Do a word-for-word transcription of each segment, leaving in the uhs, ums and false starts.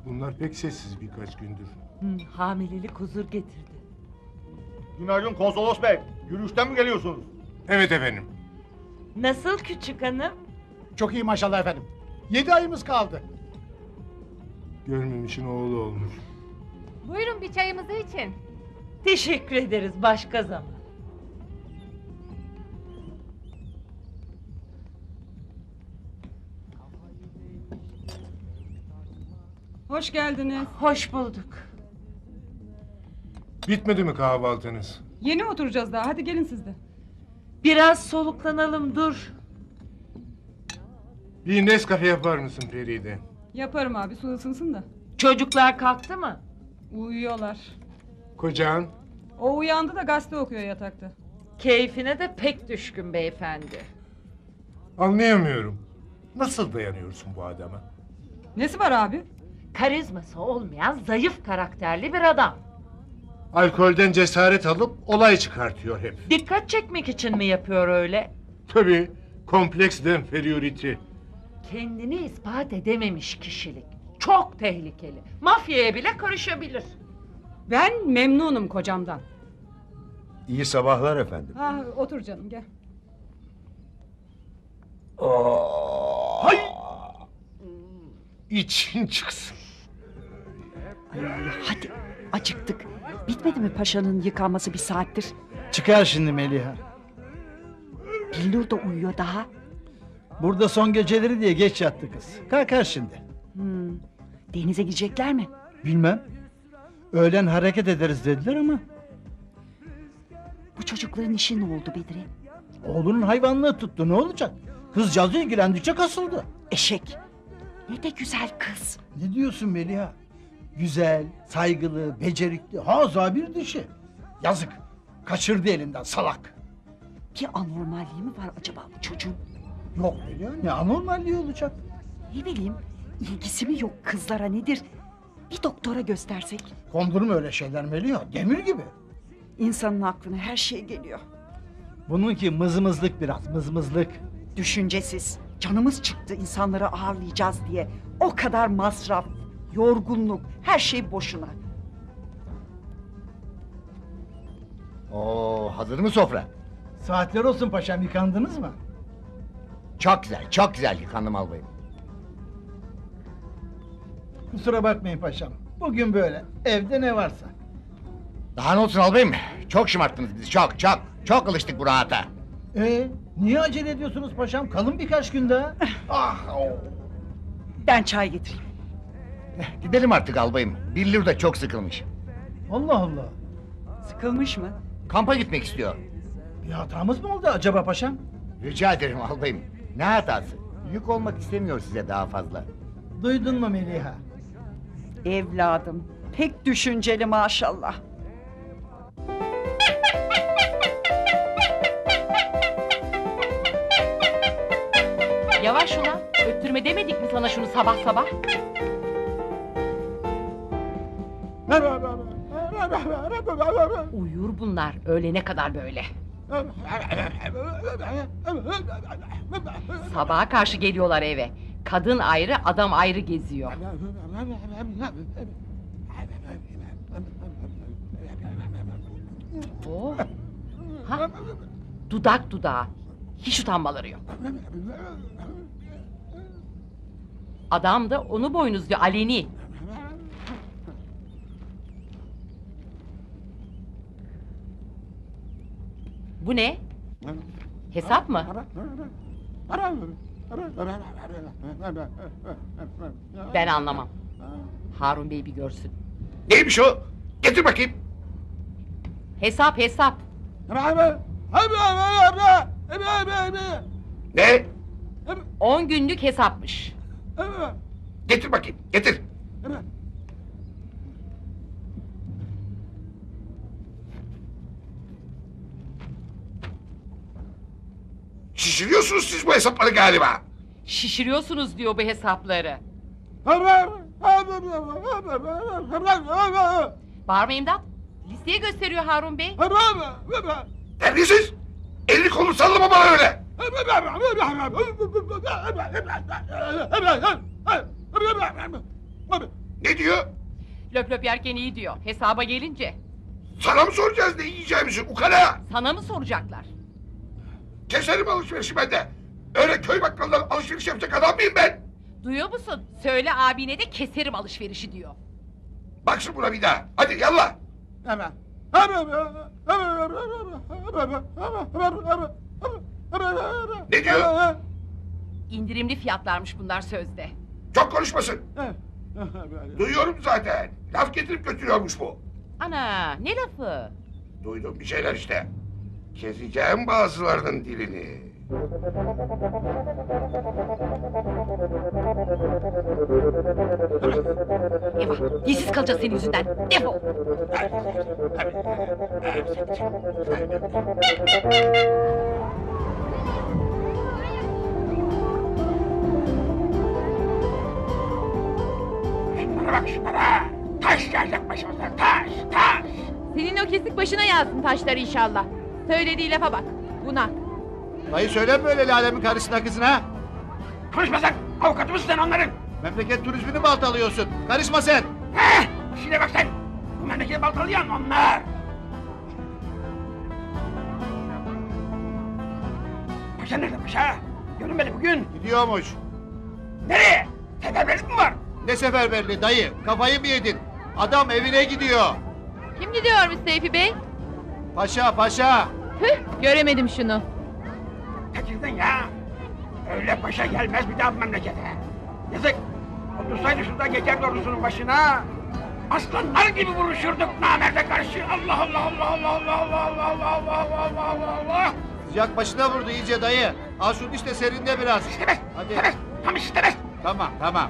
Bunlar pek sessiz birkaç gündür. Hı, hamilelik huzur getirdi. Günaydın konsolos bey. Yürüyüşten mi geliyorsunuz? Evet efendim. Nasıl küçük hanım? Çok iyi maşallah efendim. Yedi ayımız kaldı. Görmemişin oğlu olmuş. Buyurun bir çayımızı için. Teşekkür ederiz başka zaman. Hoş geldiniz. Hoş bulduk. Bitmedi mi kahvaltınız? Yeni oturacağız daha. Hadi gelin siz de. Biraz soluklanalım dur. Bir Nescafe yapar mısın Feride? Yaparım abi, su ısınsın da. Çocuklar kalktı mı? Uyuyorlar. Kocan? O uyandı da gazete okuyor yatakta. Keyfine de pek düşkün beyefendi. Anlayamıyorum. Nasıl dayanıyorsun bu adama? Nesi var abi? Karizması olmayan zayıf karakterli bir adam. Alkolden cesaret alıp olay çıkartıyor hep. Dikkat çekmek için mi yapıyor öyle? Tabii, kompleks de inferiority. Kendini ispat edememiş kişilik. Çok tehlikeli. Mafyaya bile karışabilir. Ben memnunum kocamdan. İyi sabahlar efendim. Ha, otur canım gel. Hay! İçin çıksın. Hadi acıktık. Bitmedi mi paşanın yıkanması bir saattir? Çıkar şimdi Meliha. Billur da uyuyor daha. Burada son geceleri diye geç yattı kız. Kalkar şimdi. Hmm. Denize gidecekler mi? Bilmem. Öğlen hareket ederiz dediler ama. Bu çocukların işi ne oldu Bedri? Oğlunun hayvanlığı tuttu, ne olacak? Kızcağız ilgilendikçe kasıldı. Eşek. Ne de güzel kız. Ne diyorsun Meliha? Güzel, saygılı, becerikli, haza bir dişi. Yazık. Kaçırdı elinden salak. Bir anormalliği mi var acaba bu çocuğun? Yok Meliha, ne anormalliği olacak? Ne bileyim, ilgisi mi yok kızlara nedir? Bir doktora göstersek. Kondurma öyle şeyler Meliha, demir gibi. İnsanın aklına her şey geliyor. Bununki mızmızlık biraz, mızmızlık. Düşüncesiz. Canımız çıktı insanları ağırlayacağız diye. O kadar masraf, yorgunluk, her şey boşuna. Oo, hazır mı sofra? Saatler olsun paşam, yıkandınız mı? Çok güzel, çok güzel yıkandım albayım. Kusura bakmayın paşam. Bugün böyle. Evde ne varsa. Daha ne olsun albayım? Çok şımarttınız bizi, çok çok. Çok alıştık bu rahata. Ee, niye acele ediyorsunuz paşam? Kalın birkaç gün daha. Ah! Oh. Ben çay getireyim. Gidelim artık albayım. Billur da çok sıkılmış. Allah Allah. Sıkılmış mı? Kampa gitmek istiyor. Bir hatamız mı oldu acaba paşam? Rica ederim albayım. Ne hatası? Yük olmak istemiyor size daha fazla. Duydun mu Meliha? Evladım, pek düşünceli maşallah. Yavaş ulan. Öttürme demedik mi sana şunu sabah sabah? Uyur bunlar öğlene kadar böyle. Sabaha karşı geliyorlar eve. Kadın ayrı, adam ayrı geziyor. Oh. Ha? Dudak dudağa. Hiç utanmaları yok. Adam da onu boynuzluyor aleni. Bu ne? Hesap mı? Ben anlamam. Harun Bey bir görsün. Neymiş o? Getir bakayım. Hesap hesap. Ne? On günlük hesapmış. Getir bakayım, getir. Şişiriyorsunuz siz bu hesapları galiba. Şişiriyorsunuz diyor bu hesapları. Bağırmayın da. Listeye gösteriyor Harun Bey. Terbiyesiz! Elini kolunu sallama bana öyle! Ne diyor? Löp löp yerken iyi diyor. Hesaba gelince. Sana mı soracağız ne yiyeceğimizi ukala? Sana mı soracaklar? Keserim alışverişi ben de. Öyle köy bakkalından alışveriş yapacak adam mıyım ben? Duyuyor musun? Söyle abine de keserim alışverişi diyor. Baksın buna bir daha. Hadi yallah. Hemen. Ne diyor? İndirimli fiyatlarmış bunlar sözde. Çok konuşmasın. Duyuyorum zaten. Laf getirip götürüyormuş bu. Ana ne lafı? Duydum bir şeyler işte. Keseceğim bazılarının dilini. Eyvah dilsiz kalacağız senin yüzünden. Defol. Şunlara bak şunlara. Taş yağacak başımıza. Taş, taş. Senin o kesik başına yazsın taşları inşallah. Söylediği lafa bak. Buna. Dayı söyleme öyle Lale'min karısına kızına. Konuşma sen. Avukatı mısın sen onların? Memleket turizmini baltalıyorsun. Karışma sen. Heh, işine bak sen. Bu memleketi baltalayan onlar. Paşa nerede paşa? Görünmedi bugün. Gidiyormuş. Nereye? Seferberlik mi var? Ne seferberliği dayı? Kafayı mı yedin? Adam evine gidiyor. Kim gidiyormuş Seyfi Bey? Paşa paşa. Hıh göremedim şunu. Kaçırdın ya. Öyle paşa gelmez bir daha bu memlekete. Yazık. Otursaydı şurada gece doğrusunun başına. Aslanlar gibi vuruşurduk namerde karşı. Allah Allah Allah Allah Allah Allah Allah Allah Allah Allah Allah. Sıcak başına vurdu iyice dayı. Al şunu işte serinde biraz. İstemez. Hadi. İstemez. Tam istemez. Tamam tamam.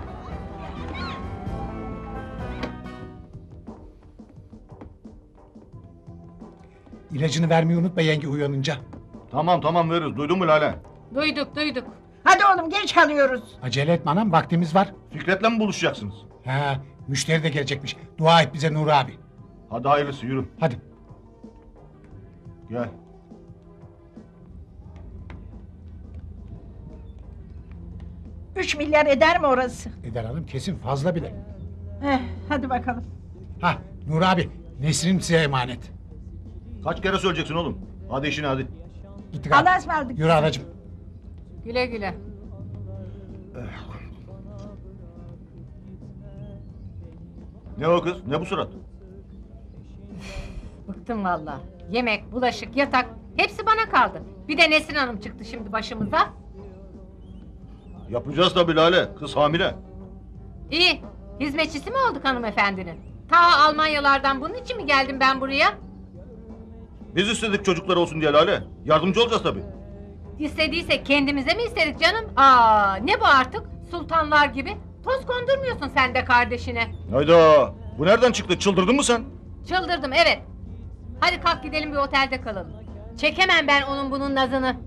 İlacını vermeyi unutma yenge uyanınca. Tamam tamam veririz. Duydun mu Lale? Duyduk duyduk. Hadi oğlum geç kalıyoruz. Acele etme anam vaktimiz var. Fikret'le mi buluşacaksınız? Ha, müşteri de gelecekmiş. Dua et bize Nuri abi. Hadi hayırlısı yürü. Hadi. Gel. Üç milyar eder mi orası? Eder hanım kesin fazla bile. Eh, hadi bakalım. Ha Nuri abi Nesrin size emanet. Kaç kere söyleyeceksin oğlum? Hadi işine hadi. Gittik abi. Allah'a ısmarladık. Yürü anacığım. Güle güle. Ne o kız? Ne bu surat? Bıktım valla. Yemek, bulaşık, yatak hepsi bana kaldı. Bir de Nesrin Hanım çıktı şimdi başımıza. Yapacağız tabii Lale. Kız hamile. İyi. Hizmetçisi mi olduk hanımefendinin? Ta Almanyalardan bunun için mi geldim ben buraya? Biz istedik çocuklar olsun diye Lale. Yardımcı olacağız tabii. İstediyse kendimize mi istedik canım? Aa, ne bu artık? Sultanlar gibi. Toz kondurmuyorsun sen de kardeşine. Hayda. Bu nereden çıktı? Çıldırdın mı sen? Çıldırdım evet. Hadi kalk gidelim bir otelde kalalım. Çekemem ben onun bunun nazını.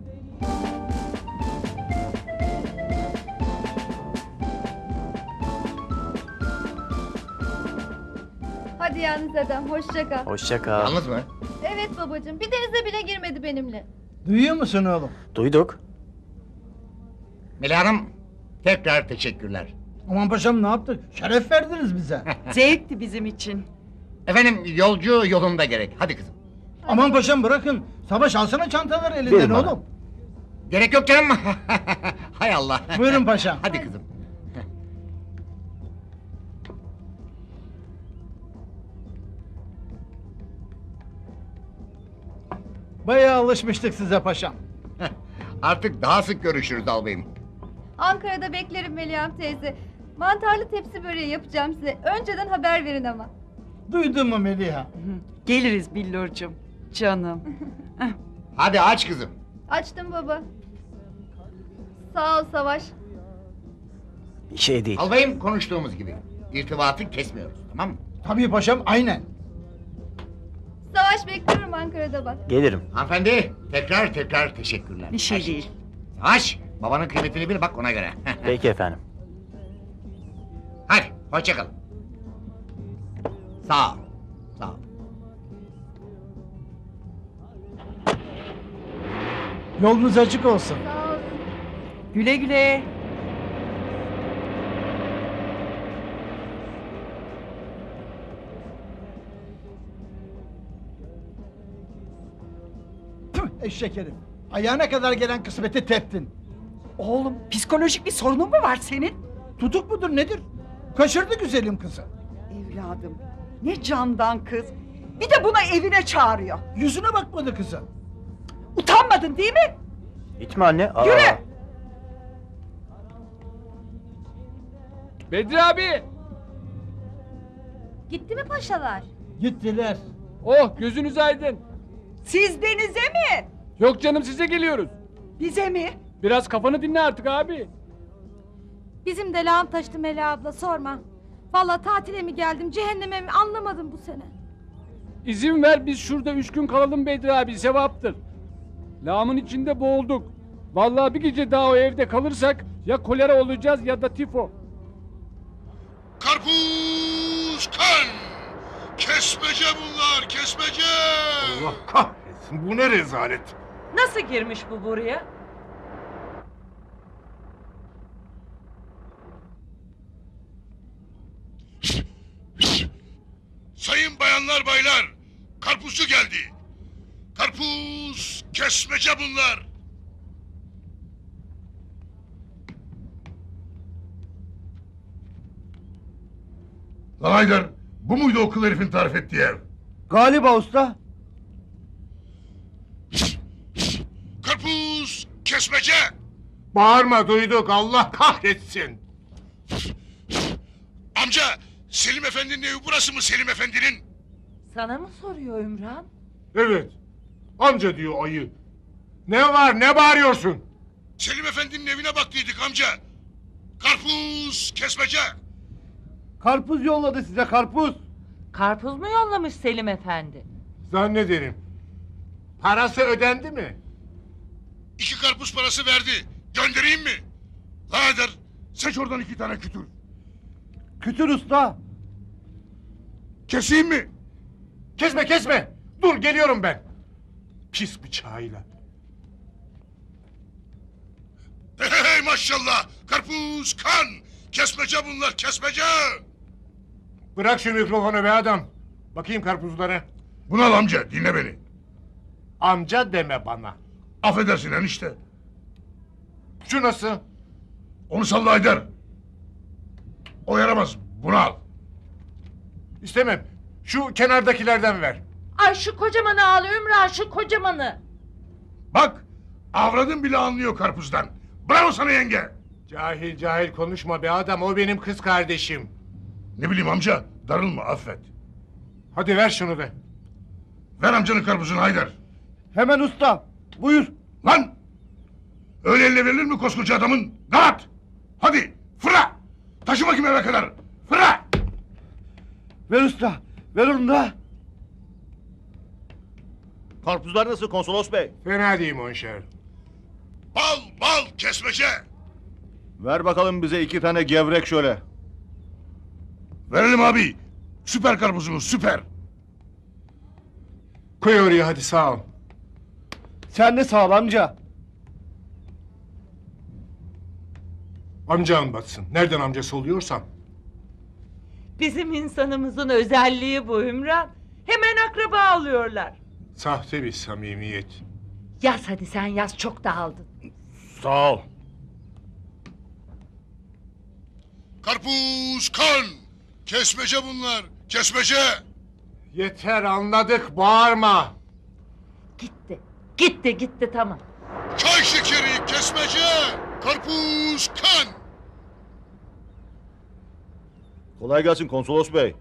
Hadi yalnız adam, hoşça kal. Hoşça kal. Yalnız mı? Evet babacığım, bir denize bile girmedi benimle. Duyuyor musun oğlum? Duyduk. Melih Hanım tekrar teşekkürler. Aman paşam ne yaptık? Şeref verdiniz bize. Zevkti bizim için. Efendim yolcu yolunda gerek. Hadi kızım. Aman paşam bırakın. Savaş alsana çantaları elinden Verin bana. oğlum. Gerek yok canım. Hay Allah. Buyurun paşam. Hadi kızım. Bayağı alışmıştık size paşam. Artık daha sık görüşürüz albayım. Ankara'da beklerim Melihan teyze. Mantarlı tepsi böreği yapacağım size. Önceden haber verin ama. Duydun mu Meliha? Geliriz Billurcuğum. Canım. Hadi aç kızım. Açtım baba. Sağ ol Savaş. Bir şey değil. Albayım konuştuğumuz gibi. İrtibatı kesmiyoruz tamam mı? Tabii paşam aynen. Savaş bekliyorum Ankara'da bak. Gelirim. Hanımefendi tekrar tekrar teşekkürler. Bir şey Her değil. Yavaş. Babanın kıymetini bil bak ona göre. Peki efendim. Hadi hoşça kalın. Sağ ol. Sağ ol. Yolunuz açık olsun. Sağ ol. Güle güle. Eşek herif. Ayağına kadar gelen kısmeti teptin. Oğlum psikolojik bir sorunun mu var senin? Tutuk mudur nedir? Kaçırdı güzelim kızı. Evladım ne candan kız. Bir de buna evine çağırıyor. Yüzüne bakmadı kızın. Utanmadın değil mi? Gitme anne. Aa. Yürü! Bedri abi! Gitti mi paşalar? Gittiler. Oh gözünüz aydın. Siz denize mi? Yok canım size geliyoruz. Bize mi? Biraz kafanı dinle artık abi. Bizim de lağım taştı Mela abla sorma. Vallahi tatile mi geldim cehenneme mi anlamadım bu sene. İzin ver biz şurada üç gün kalalım Bedri abi sevaptır. Lağımın içinde boğulduk. Vallahi bir gece daha o evde kalırsak ya kolera olacağız ya da tifo. Karpuz kan! Kesmece bunlar, kesmece! Allah kahretsin, bu ne rezalet. Nasıl girmiş bu buraya? Sayın bayanlar baylar, karpuzcu geldi. Karpuz, kesmece bunlar. Lan Haydar, bu muydu o kıl herifin tarif ettiği ev? Galiba usta. Karpuz, kesmece! Bağırma, duyduk, Allah kahretsin. Amca, Selim Efendi'nin evi burası mı Selim Efendi'nin? Sana mı soruyor Ümran? Evet, amca diyor ayı. Ne var, ne bağırıyorsun? Selim Efendi'nin evine baktıydık amca. Karpuz, kesmece! Karpuz yolladı size karpuz. Karpuz mu yollamış Selim Efendi? Zannederim. Parası ödendi mi? İki karpuz parası verdi. Göndereyim mi? Haydar, seç oradan iki tane kütür. Kütür usta. Keseyim mi? Kesme, kesme. Dur, geliyorum ben. Pis bıçağıyla. Hey, hey, hey maşallah! Karpuz, kan! Kesmece bunlar, kesmece! Bırak şu mikrofonu be adam. Bakayım karpuzlara. Buna al amca, dinle beni. Amca deme bana. Affedersin enişte. Şu nasıl? Onu salla Haydar. O yaramaz, bunu al. İstemem. Şu kenardakilerden ver. Ay şu kocamanı al Ümran şu kocamanı. Bak, avradın bile anlıyor karpuzdan. Bravo sana yenge. Cahil cahil konuşma be adam. O benim kız kardeşim. Ne bileyim amca, darılma, affet. Hadi ver şunu da. Ver amcanın karpuzunu Haydar. Hemen usta. Buyur. Lan! Öyle elle verilir mi koskoca adamın? Dağıt! Hadi, fıra! Taşı bakayım eve kadar, fıra! Ver usta. Ver onu da. Karpuzlar nasıl konsolos bey? Fena değil monşer. Bal, bal, kesmece! Ver bakalım bize iki tane gevrek şöyle. Verelim abi. Süper karpuzumuz, süper. Koy oraya hadi, sağ ol. Sen de sağ ol amca. Amcan batsın. Nereden amcası oluyorsam. Bizim insanımızın özelliği bu Ümran. Hemen akraba alıyorlar. Sahte bir samimiyet. Yaz hadi sen yaz çok dağıldın. Sağ ol. Karpuz, kan! Kesmece bunlar, kesmece! Yeter, anladık, bağırma. Gitti. Gitti gitti tamam. Çay şekeri, kesmece! Karpuz, kan! Kolay gelsin konsolos bey.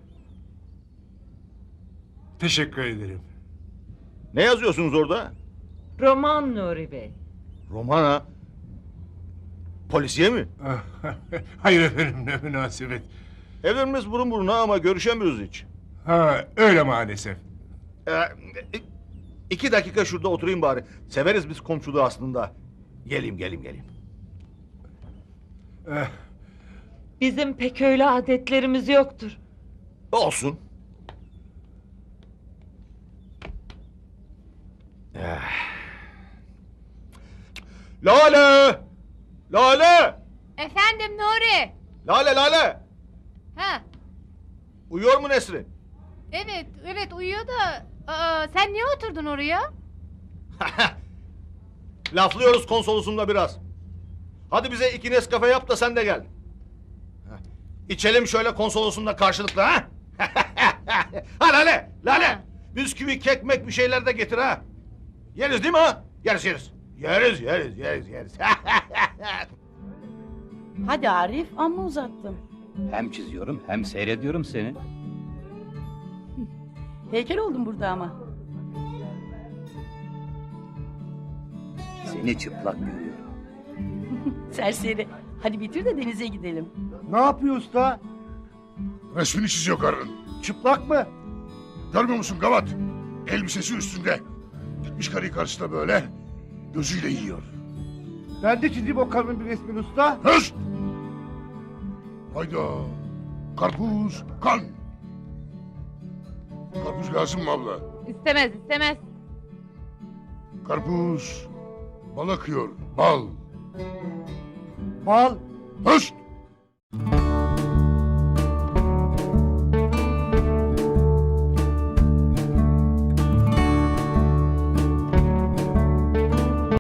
Teşekkür ederim. Ne yazıyorsunuz orada? Roman Nuri Bey. Roman ha? Polisiye mi? Hayır efendim, ne münasebet. Evlerimiz burun buruna ama görüşemiyoruz hiç. Ha, öyle maalesef. Ee, iki dakika şurada oturayım bari. Severiz biz komşuluğu aslında. Geleyim geleyim geleyim. Eh, Bizim pek öyle adetlerimiz yoktur. Olsun. Eh. Lale! Lale! Efendim Nuri. Lale Lale! Ha, Uyuyor mu Nesrin? evet, evet uyuyor da. Aa, sen niye oturdun oraya? Laflıyoruz konsolosumla biraz. Hadi bize iki Nescafe yap da sen de gel. Heh. İçelim şöyle konsolosumla karşılıklı ha. Ha Lale, Lale. Ha. Bisküvi, kekmek bir şeyler de getir ha. Yeriz değil mi ha? Yeriz yeriz. Yeriz yeriz yeriz yeriz. Hadi Arif, amma uzattın. Hem çiziyorum hem seyrediyorum seni. Heykel oldun burada ama. Seni çıplak görüyorum. Serseri. Hadi bitir de denize gidelim. Ne yapıyor usta? Resmini çiziyor karının. Çıplak mı? Görmüyor musun Gavat? Elbisesi üstünde. Gitmiş karıyı karşısına böyle. Gözüyle yiyor. Ben de çizeyim o karının bir resmini usta. Hıst! Hayda. Karpuz, kan. Karpuz lazım mı abla? İstemez istemez. Karpuz. Bal akıyor. Bal. Bal. Hıst!